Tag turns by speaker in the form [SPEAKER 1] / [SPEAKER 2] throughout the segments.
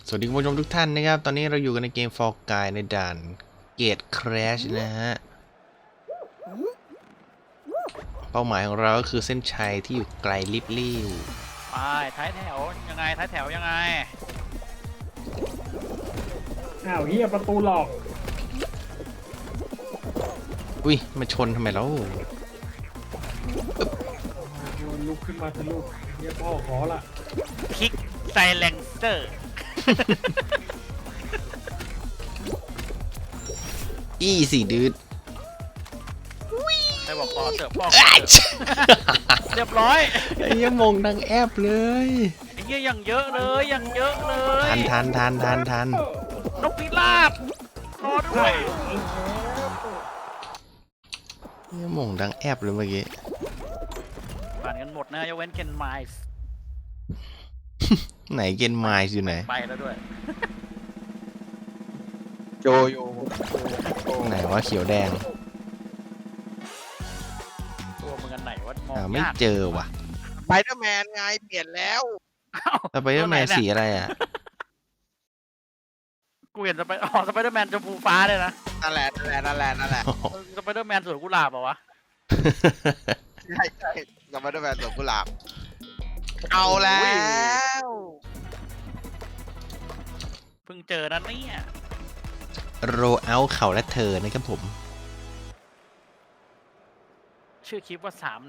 [SPEAKER 1] สวัสดีคุณผู้ชมทุกท่านนะครับตอนนี้เราอยู่กันในเกม Fall Guys ในด่านเกตคราชนะฮะเป้าหมายของเราก็คือเส้นชัยที่อยู่ไกลลิบลิ่ว
[SPEAKER 2] ไปท้ายแถวยังไงท้ายแถวยังไง
[SPEAKER 3] อ้าวเฮียประตูหลอก
[SPEAKER 1] อุ้ยมาชนทำไมแล้ว
[SPEAKER 3] ลุกขึ้นมาทะลุเฮียพ่อขอละ
[SPEAKER 2] คลิกไซเลนเซอร์
[SPEAKER 1] อีสี่ดืด
[SPEAKER 2] ได้บอกขอเสิร์ฟพ่อเรียบร้อย
[SPEAKER 1] ไอ้ยังมงดังแอบเลย
[SPEAKER 2] ไอ้เหี้ยยังเยอะเลยยังเยอะเลย
[SPEAKER 1] ทัน
[SPEAKER 2] นกพิราบรอด้วย
[SPEAKER 1] ยังมงดังแอบเลยเมื่อกี้
[SPEAKER 2] ผ่านกันหมดนะยกเว้นเคนไมส์
[SPEAKER 1] ไหนเกนไมซ์อยู่ไหน
[SPEAKER 2] ไปแล้วด้วย
[SPEAKER 4] โจโย
[SPEAKER 1] ไหนว่าเขียวแดง
[SPEAKER 2] ตัวมึงอันไหนวะมอง
[SPEAKER 1] ไม่
[SPEAKER 2] ยาก
[SPEAKER 1] เจอว่ะ
[SPEAKER 4] ไปเดอร์แมนไงเปลี่ยนแล้ว
[SPEAKER 1] สไปเดอร์แมนสีอะไรอ่ะ
[SPEAKER 2] กูเห็นสไปเดอร์แมนชมพูฟ้าเลยนะ
[SPEAKER 4] นั่นแหละ
[SPEAKER 2] สไปเดอร์แมนสวนกุหลาบเหรอวะ
[SPEAKER 4] ใช่กับไปเดอร์แมนสวนกุหลาบเอาแล้ว
[SPEAKER 2] เพิ่งเจอนะเนี่ย
[SPEAKER 1] โรเอาเขาและเธอนะครับผม
[SPEAKER 2] ชื่อคลิปว่า3 ใน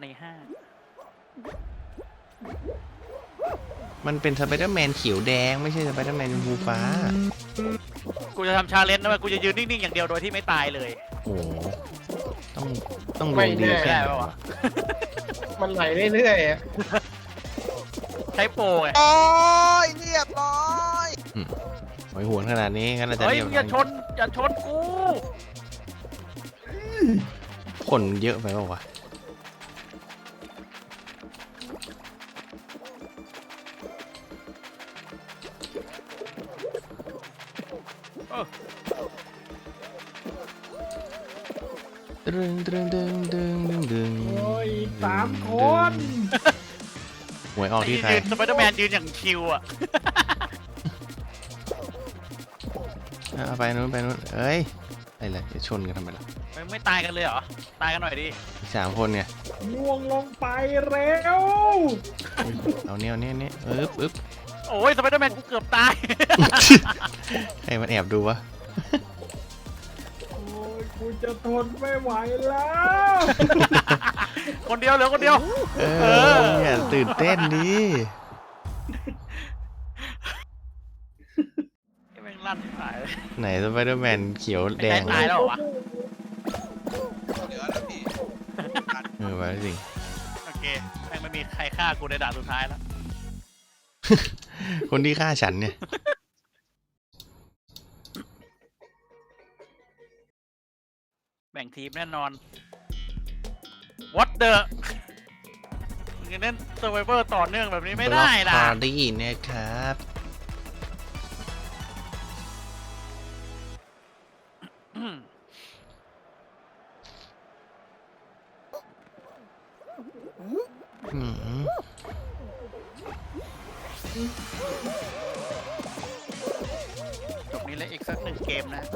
[SPEAKER 1] มันเป็นสไปเดอร์แมนเขียวแดงไม่ใช่สไปเดอร์แมนชมพูฟ้า
[SPEAKER 2] 5กูจะทำชาเลนจ์นะเว้ยกูจะยืนนิ่งๆอย่างเดียวโดยที่ไม่ตายเลย
[SPEAKER 1] โอ้โหต้องดวงดี
[SPEAKER 2] ไม่
[SPEAKER 1] แค่
[SPEAKER 2] ได้
[SPEAKER 1] ไหน
[SPEAKER 2] ปะวะ
[SPEAKER 1] วะ
[SPEAKER 3] มันไหลเรื่อยๆอะ
[SPEAKER 2] ใช้โปรไง
[SPEAKER 4] โอ้ยเรียบร้อย
[SPEAKER 1] หอยหวนขนาดนี้งั้นเราจะ
[SPEAKER 2] เฮ้ย
[SPEAKER 1] เรียบ
[SPEAKER 2] อย่าชนกู
[SPEAKER 1] คนเยอะไปเปล่าวะ
[SPEAKER 2] เออ
[SPEAKER 1] ดึง
[SPEAKER 3] โอ้ย3 คน
[SPEAKER 1] หวยออกที่ใคร
[SPEAKER 2] ยืนสไปเดอร์แมนยืนอย่างคิวอ่ะ
[SPEAKER 1] เอาไปนู้นเอ้ยอะไรจะชนกันทำไมล่ะ
[SPEAKER 2] ไม่ตายกันเลยเหรอ ตายกันหน่อยดิ
[SPEAKER 1] อีก3 คนไง
[SPEAKER 3] ล่วงลงไปเร็ว
[SPEAKER 1] อุ๊ยเอาเนี่ยอึ๊บ
[SPEAKER 2] โอ้ยสไปเดอร์แมนกูเกือบตาย
[SPEAKER 1] ใครมันแอบดูวะ
[SPEAKER 3] โอ้ยกูจะทนไม่ไหวแล้ว
[SPEAKER 2] คนเดียวเหลือคนเดียว
[SPEAKER 1] เนี่ยตื่นเต้นดิ
[SPEAKER 2] ไอ้แม่งลั่นตายเลย
[SPEAKER 1] ไหนสไปเดอร์แมนเขียวแดง
[SPEAKER 2] ตายแล้วเหรอวะ
[SPEAKER 4] เหลือแล้วพี่
[SPEAKER 1] ไปสิ
[SPEAKER 2] โอเคแม่งไม่มีใครฆ่ากูในด่านสุดท้ายแล้ว
[SPEAKER 1] คนที่ฆ่าฉันเนี่ย
[SPEAKER 2] แบ่งทีมแน่นอน What the มึงจะเล่น Survivor ต่อเนื่องแบบนี้ไม่ได้นะ
[SPEAKER 1] ปาร์ตี้นะครับ
[SPEAKER 2] อืมจบนี้เลยอีกสัก1 เกมนะ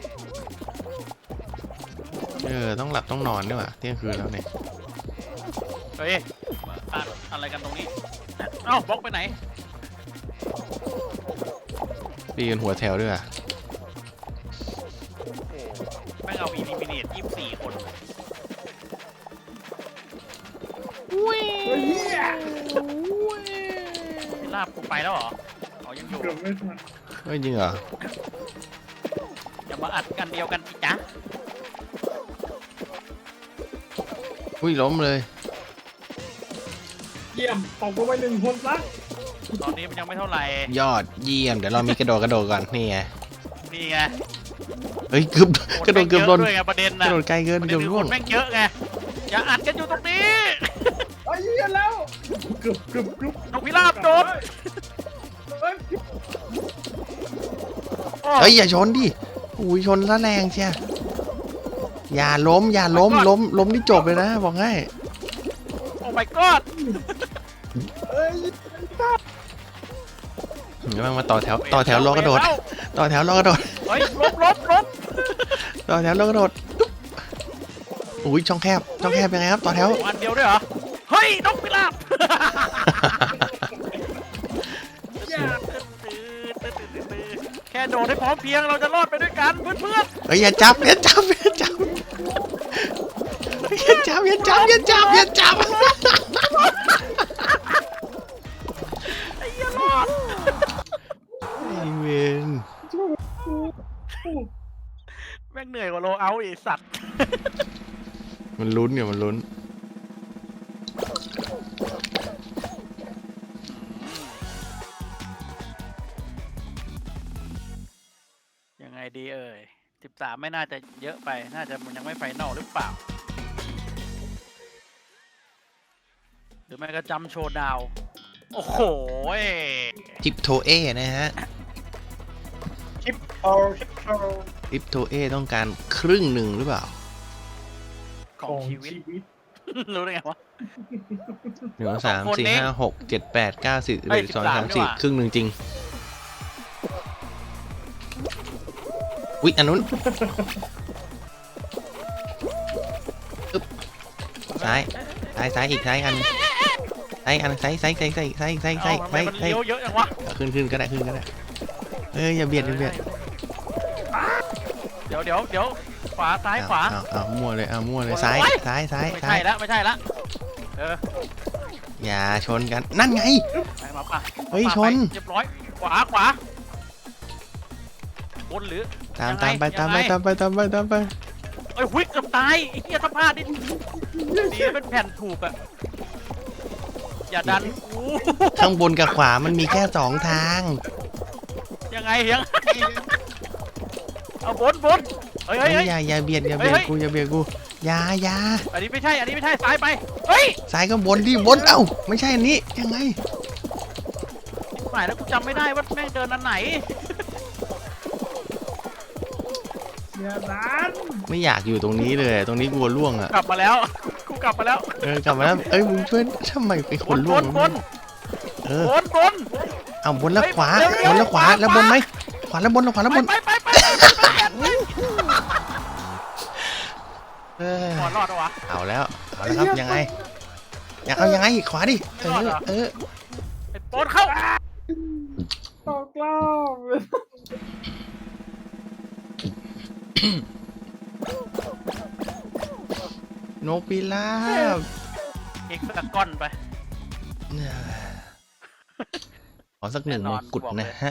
[SPEAKER 1] ต้องหลับต้องนอนด้วยว่ะเที่ยงคืนแล้วเนี่ย
[SPEAKER 2] เฮ้ยอะไรกันตรงนี้ เอ้าบล็อกไปไหน
[SPEAKER 1] ตีกันหัวแถวด้วยว่ะ
[SPEAKER 2] แม่งเอาอีลิมิเนต24 คน
[SPEAKER 3] เฮ้ยเฮีย
[SPEAKER 2] พี่ลาบกูไปแล้วเหรออ๋อยังอยู่
[SPEAKER 3] เกือบไม่ทัน
[SPEAKER 1] เฮ้ยจริงเหรอ
[SPEAKER 2] อย่ามาอัดกันเดียวกันสิจ๊ะ
[SPEAKER 1] อุ้ยล้มเลย
[SPEAKER 3] เยี่ยมตกลงไป1 คนซะ
[SPEAKER 2] ตอนนี้มันยังไม่เท่าไหร่
[SPEAKER 1] ยอดเยี่ยมเดี๋ยวเรามีกระโดดก่อนนี่ไง
[SPEAKER 2] นี่ไง
[SPEAKER 1] เฮ้ยเกือบกระโดดเกือบโดน
[SPEAKER 2] ด้วยไงประเด็น
[SPEAKER 1] ก
[SPEAKER 2] นะ
[SPEAKER 1] ระโดดไกลเกิน
[SPEAKER 2] ประเด็
[SPEAKER 1] เกื
[SPEAKER 2] น
[SPEAKER 1] อบ
[SPEAKER 2] คือ
[SPEAKER 1] ร่
[SPEAKER 2] ค
[SPEAKER 1] วง
[SPEAKER 2] นแม่งเยอะไง อย่าอัดกันอยู่ตรงนี้
[SPEAKER 3] ไอ้เหี้ยแล้วเกือบ
[SPEAKER 2] นกพิราบโดน
[SPEAKER 3] เฮ้ย
[SPEAKER 1] เฮ้ยอย่าชนดิอุ้ยชนซะแรงเชียอย่าล้มล้มนี่จบเลยนะบอกให้
[SPEAKER 2] โอ้ my god
[SPEAKER 3] เอ้ย
[SPEAKER 1] เดี๋ยวมาต่อแถวรอกระโดด ต่อแถวรอกระโดด
[SPEAKER 2] เฮ้ยลบ
[SPEAKER 1] ต่อแถวรอกระโดดตุ๊บอุ้ยช่องแคบยังไงครับต่อแถว
[SPEAKER 2] วันเดียวด้วยเหรอเฮ้ยนกพิราบแค่โดดให้พร้อมเพรียงเราจะรอดไปด้วยกันเพื่อน
[SPEAKER 1] เฮ้ยอย่าจับอย่าจับอย่าจับอย่าจับอย่าจับอย่าจับอย่าจับ
[SPEAKER 2] ๆไอ้เหี้ยรอด
[SPEAKER 1] ไอ้เวน
[SPEAKER 2] แม่งเหนื่อยกว่าโลเอาท์ไอ้สัตว์
[SPEAKER 1] มันลุ้นเนี่ยมันลุ้น
[SPEAKER 2] ยังไงดีเอ่ย13ไม่น่าจะเยอะไปน่าจะมันยังไม่ไฟนอลหรือเปล่าหรือไม่ก็จำโชว์ดาวโอ้โห
[SPEAKER 1] ทิปโทเอนะฮะ
[SPEAKER 3] ชิปโต
[SPEAKER 1] ทิปโทเอต้องการครึ่งหนึ่งหรือเปล่า
[SPEAKER 2] ของชีวิต รู้ได้ไงวะ
[SPEAKER 1] 1 2 3 4 5 6 7 8 9 10
[SPEAKER 2] เฮ้ย
[SPEAKER 1] 11 12 13 14ครึ่งหนึ่งจริงอุ๊ยอันนู้นอึ๊บซ้ายอีกซ้ายอันซ้ายซ้าย
[SPEAKER 2] เอ้าทำไมมันเลี้ยวเยอะจังวะ
[SPEAKER 1] ขึ้นก็ได้เอ้ยอย่าเบียด
[SPEAKER 2] เดี๋ยวขวาซ้ายขวา
[SPEAKER 1] เอามั่วเลยซ้าย
[SPEAKER 2] ไม่
[SPEAKER 1] ซ้าย
[SPEAKER 2] ไม่ใช่ละเออ
[SPEAKER 1] อย่าชนกันนั่นไง
[SPEAKER 2] ไปมาป่ะ
[SPEAKER 1] เฮ้ย
[SPEAKER 2] มา
[SPEAKER 1] ชน
[SPEAKER 2] ไปเรียบร้อยขวาบนหรือ
[SPEAKER 1] ตาม
[SPEAKER 2] ยังไง
[SPEAKER 1] ไป
[SPEAKER 2] เอ้ยหุยเกือบตายไอ้เหี้ยสภาพนี่ดีเป็นแผ่นถูกอะอย่าดันกู
[SPEAKER 1] ข้างบนกับขวามันมีแค่2 ทาง
[SPEAKER 2] ยังไงเอาบนเฮ้ย
[SPEAKER 1] เฮ้ยอย่าเบียดกูอย่า
[SPEAKER 2] อันนี้ไม่ใช่ซ้ายไปเฮ้ย
[SPEAKER 1] ซ้ายก็บนเอ้าไม่ใช่อันนี้ยังไง
[SPEAKER 2] หมายแล้วกูจำไม่ได้ว่าแม่งเดินอันไหน
[SPEAKER 3] อย่าดัน
[SPEAKER 1] ไม่อยากอยู่ตรงนี้เลยตรงนี้กลัวล่วงอ่ะ
[SPEAKER 2] กลับมาแล้วกูกลับมาแล้ว
[SPEAKER 1] กลับมาแล้วเอ้ยมึงช่วยทำไมเป็นคนล่วง
[SPEAKER 2] บน
[SPEAKER 1] เออบ
[SPEAKER 2] น
[SPEAKER 1] เอาบนแล้วขวา
[SPEAKER 2] เร็ว
[SPEAKER 1] บนแล้วขวาแล้วบนไหมขวาแล้วบน
[SPEAKER 2] ไป
[SPEAKER 1] เออ
[SPEAKER 2] ขอรอดวะ
[SPEAKER 1] เอาแล้วครับยังไงเอายังไงขวาดิเออ
[SPEAKER 2] ไอ้โปนเข้า
[SPEAKER 3] ตกรอบ
[SPEAKER 1] นกพิราบ
[SPEAKER 2] เอกตะก้อนไป
[SPEAKER 1] ขอสัก1 มงกุฎนะฮะ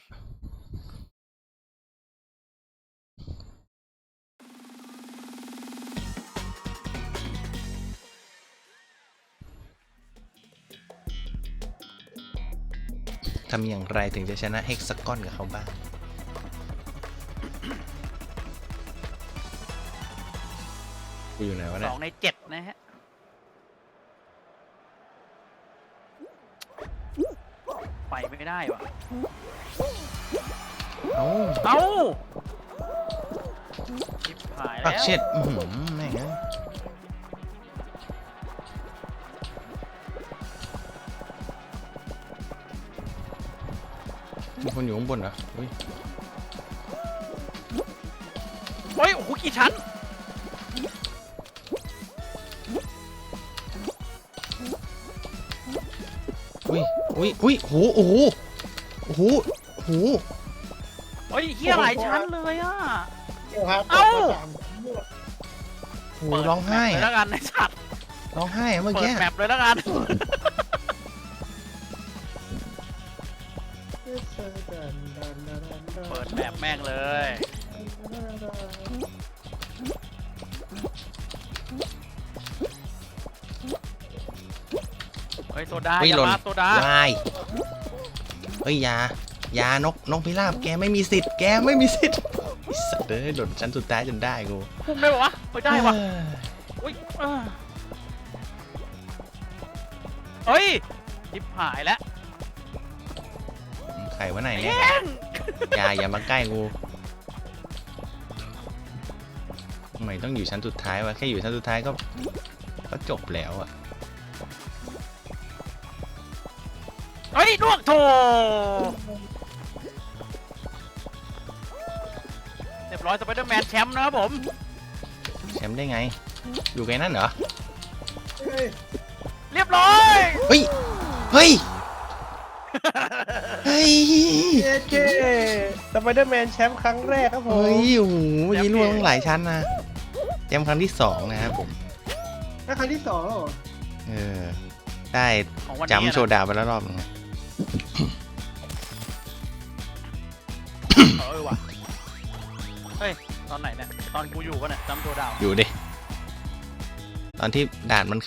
[SPEAKER 1] ทำอย่างไรถึงจะชนะเฮกซากอนกับเขาบ้างกูอยู่ไหนวะเนี่ย
[SPEAKER 2] 2 ใน 7นะฮะไปไม่ได้วะ
[SPEAKER 1] เอ้า
[SPEAKER 2] เอ้าชิบหาย
[SPEAKER 1] ปั
[SPEAKER 2] แล้
[SPEAKER 1] ก
[SPEAKER 2] ว
[SPEAKER 1] เช็ดแม่งมีคนอยู่ข้างบนเหรออุ้ย
[SPEAKER 2] โอ้ยโอ้โหกี่ชั้น
[SPEAKER 1] อุ้ยโอ้โห
[SPEAKER 2] เฮ้ยเฮียหลายชั้นเลยอ่ะ
[SPEAKER 3] เอ้า
[SPEAKER 1] โหร้องไห้
[SPEAKER 2] เปิดแมปเลยแล้วกันไอ้สัตว์
[SPEAKER 1] ร้องไห้เมื่อ
[SPEAKER 2] เปิ
[SPEAKER 1] กี้
[SPEAKER 2] ดแมปเลยแล้วกันเปิดแมปแม่งเลยเฮ้ยโซดา
[SPEAKER 1] เฮ้ย
[SPEAKER 2] อย่า
[SPEAKER 1] หล่น
[SPEAKER 2] มาโซดา
[SPEAKER 1] วายเฮ้ยยานกพิราบแกไม่มีสิทธิ์ไอ้สัตว์เอ้ยหล่นชั้นสุดท้ายจนได้กู
[SPEAKER 2] พุ่งได้ปะวะไม่ได้วะอุ้ยเฮ้ยทิบหายแล้ว
[SPEAKER 1] ไข่วะไหน
[SPEAKER 2] ไอ้
[SPEAKER 1] เนี่ย
[SPEAKER 2] แย่ง
[SPEAKER 1] อย่ามาใกล้กูทำไมต้องอยู่ชั้นสุดท้ายวะแค่อยู่ชั้นสุดท้ายก็จบแล้วอะ
[SPEAKER 2] เฮ้ยลวกโถร้อยสไปเดอร์แมนแชมป์นะครับผม
[SPEAKER 1] แชมป์ได้ไง อยู่ไงนั่นเหรอ
[SPEAKER 3] เฮ้ย
[SPEAKER 2] เรียบร้อย
[SPEAKER 1] เฮ้ย เฮ้ย เฮ้ย
[SPEAKER 5] เย้สไปเดอร์แมนแชมป์ครั้งแรกครับผม
[SPEAKER 1] เฮ้ย โอ้โหเมื่อกี้ล่วงตั้งหลายชั้นนะแชมป์ครั้งที่2นะครับผม
[SPEAKER 3] ถ้าครั้งที่2แล้วเหรอ
[SPEAKER 1] เออ ได้
[SPEAKER 2] ของวันนี้
[SPEAKER 1] จำโช
[SPEAKER 2] นะ
[SPEAKER 1] ว์ดาวไปแล้วรอบนึงอะ
[SPEAKER 2] ว่ะเฮ้ยตอนไหนเนี่ยตอนกูอยู่ปะเนี่ยจำตัวดาว
[SPEAKER 1] อยู่ดิ ตอนที่ด่านมัน